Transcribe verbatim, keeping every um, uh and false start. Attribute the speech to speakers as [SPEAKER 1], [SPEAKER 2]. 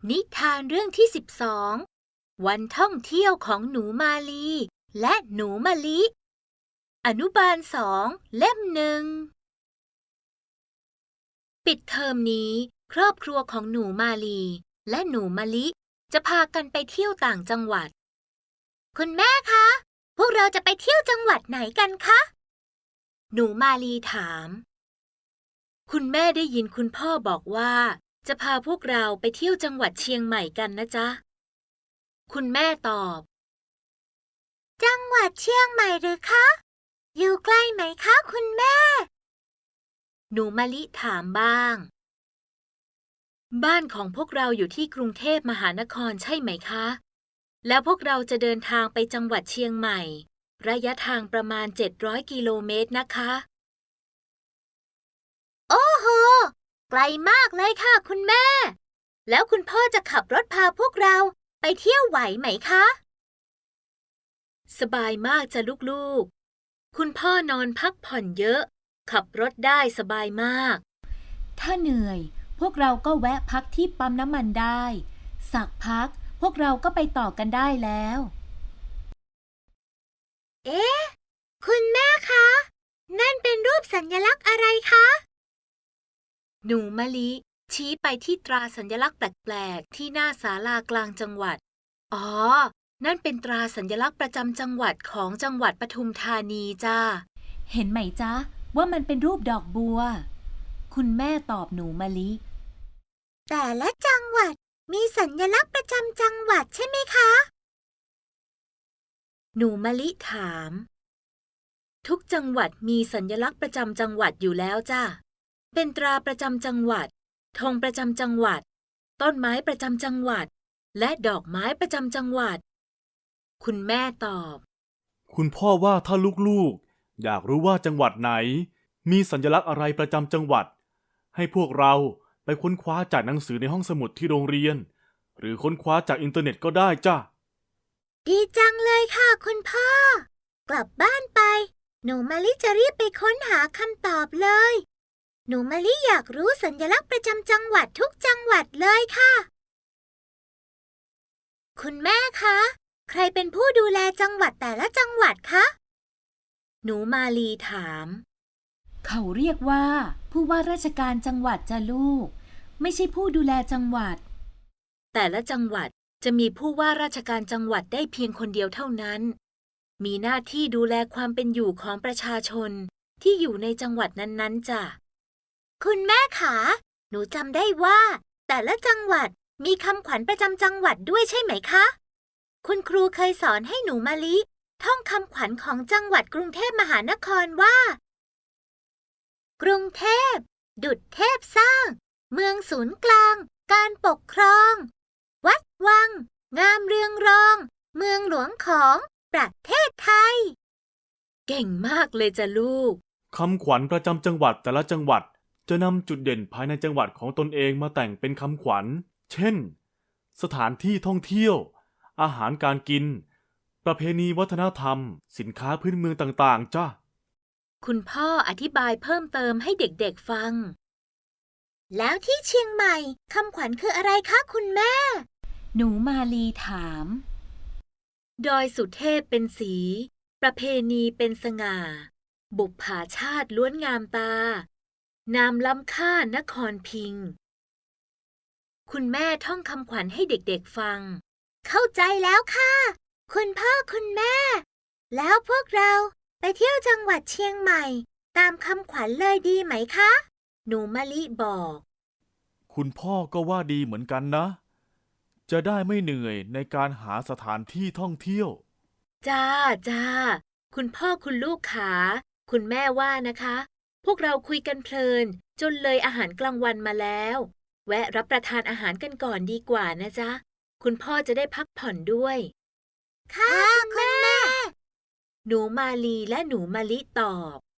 [SPEAKER 1] นิทานเรื่องที่สิบสองวันท่องเที่ยวของหนูมาลีและหนูมะลิอนุบาลสองเล่มหนึ่งปิดเทอมนี้ครอบครัวของหนูมาลีและหนูมะลิจะพากันไปเที่ยวต่างจังหวัดคุณแม่คะพวกเราจะไปเที่ยวจังหวัดไหนกันคะหนูมาลีถามคุณแม่ได้ยินคุณพ่อบอกว่าจะพาพวกเราไปเที่ยวจังหวัดเชียงใหม่กันนะจ๊ะคุณแม่ตอบจังหวัดเชียงใหม่หรือคะอยู่ใกล้ไหมคะคุณแม่หนูมะลิถามบ้างบ้านของพวกเราอยู่ที่กรุงเทพมหานครใช่ไหมคะแล้วพวกเราจะเดินทางไปจังหวัดเชียงใหม่ระยะทางประมาณเจ็ดร้อยกิโลเมตรนะคะโอ้โหไกลมากเลยค่ะคุณแม่แล้วคุณพ่อจะขับรถพาพวกเราไปเที่ยวไหวไหมคะสบายมากจ้ะลูกๆคุณพ่อนอนพักผ่อนเยอะขับรถได้สบายมากถ้าเหนื่อยพวกเราก็แวะพักที่ปั๊มน้ำมันได้สักพักพวกเราก็ไปต่อกันได้แล้วเอ๊ะคุณแม่คะนั่นเป็นรูปสัญลักษณ์อะไรคะหนูมะลิชี้ไปที่ตราสัญลักษณ์แปลกๆที่หน้าศาลากลางจังหวัดอ๋อนั่นเป็นตราสัญลักษณ์ประจำจังหวัดของจังหวัดปทุมธานีจ้าเห็นไหมจ๊ะว่ามันเป็นรูปดอกบัวคุณแม่ตอบหนูมะลิแต่ละจังหวัดมีสัญลักษณ์ประจำจังหวัดใช่ไหมคะหนูมะลิถามทุกจังหวัดมีสัญลักษณ์ประจำจังหวัดอยู่แล้วจ้าเป็นตราประจำจังหวัดธงประจำจังหวัดต้นไม้ประจำจังหวัดและดอกไม้ประจำจังหวัดคุณแม่ตอบ
[SPEAKER 2] คุณพ่อว่าถ้าลูกๆอยากรู้ว่าจังหวัดไหนมีสัญลักษณ์อะไรประจำจังหวัดให้พวกเราไปค้นคว้าจากหนังสือในห้องสมุดที่โรงเรียนหรือค้นคว้าจากอินเทอร์เน็ตก็ได้จ้ะ
[SPEAKER 1] ดีจังเลยค่ะคุณพ่อกลับบ้านไปหนูมะลิจะรีบไปค้นหาคำตอบเลยหนูมะลิอยากรู้สัญลักษณ์ประจำจังหวัดทุกจังหวัดเลยค่ะคุณแม่คะใครเป็นผู้ดูแลจังหวัดแต่ละจังหวัดคะหนูมาลีถามเขาเรียกว่าผู้ว่าราชการจังหวัดจ้ะลูกไม่ใช่ผู้ดูแลจังหวัดแต่ละจังหวัดจะมีผู้ว่าราชการจังหวัดได้เพียงคนเดียวเท่านั้นมีหน้าที่ดูแลความเป็นอยู่ของประชาชนที่อยู่ในจังหวัดนั้นๆจ้ะคุณแม่คะหนูจำได้ว่าแต่ละจังหวัดมีคำขวัญประจำจังหวัดด้วยใช่ไหมคะคุณครูเคยสอนให้หนูมะลิท่องคำขวัญของจังหวัดกรุงเทพมหานครว่ากรุงเทพดุจเทพสร้างเมืองศูนย์กลางการปกครองวัดวังงามเรืองรองเมืองหลวงของประเทศไทยเก่งมากเลยจ้ะลูก
[SPEAKER 2] คำขวัญประจำจังหวัดแต่ละจังหวัดจะนำจุดเด่นภายในจังหวัดของตนเองมาแต่งเป็นคำขวัญเช่นสถานที่ท่องเที่ยวอาหารการกินประเพณีวัฒนธรรมสินค้าพื้นเมืองต่างๆจ้ะ
[SPEAKER 1] คุณพ่ออธิบายเพิ่มเติมให้เด็กๆฟังแล้วที่เชียงใหม่คำขวัญคืออะไรคะคุณแม่หนูมาลีถามดอยสุเทพเป็นสีประเพณีเป็นสง่าบุปผาชาติล้วนงามตานามล้ำค่านครพิงค์คุณแม่ท่องคำขวัญให้เด็กๆฟังเข้าใจแล้วค่ะคุณพ่อคุณแม่แล้วพวกเราไปเที่ยวจังหวัดเชียงใหม่ตามคำขวัญเลยดีไหมคะหนูมะลิบอก
[SPEAKER 2] คุณพ่อก็ว่าดีเหมือนกันนะจะได้ไม่เหนื่อยในการหาสถานที่ท่องเที่ยว
[SPEAKER 1] จ้าจ้าคุณพ่อคุณลูกขาคุณแม่ว่านะคะพวกเราคุยกันเพลินจนเลยอาหารกลางวันมาแล้วแวะรับประทานอาหารกันก่อนดีกว่านะจ๊ะคุณพ่อจะได้พักผ่อนด้วยค่ะคุณแม่หนูมาลีและหนูมะลิตอบ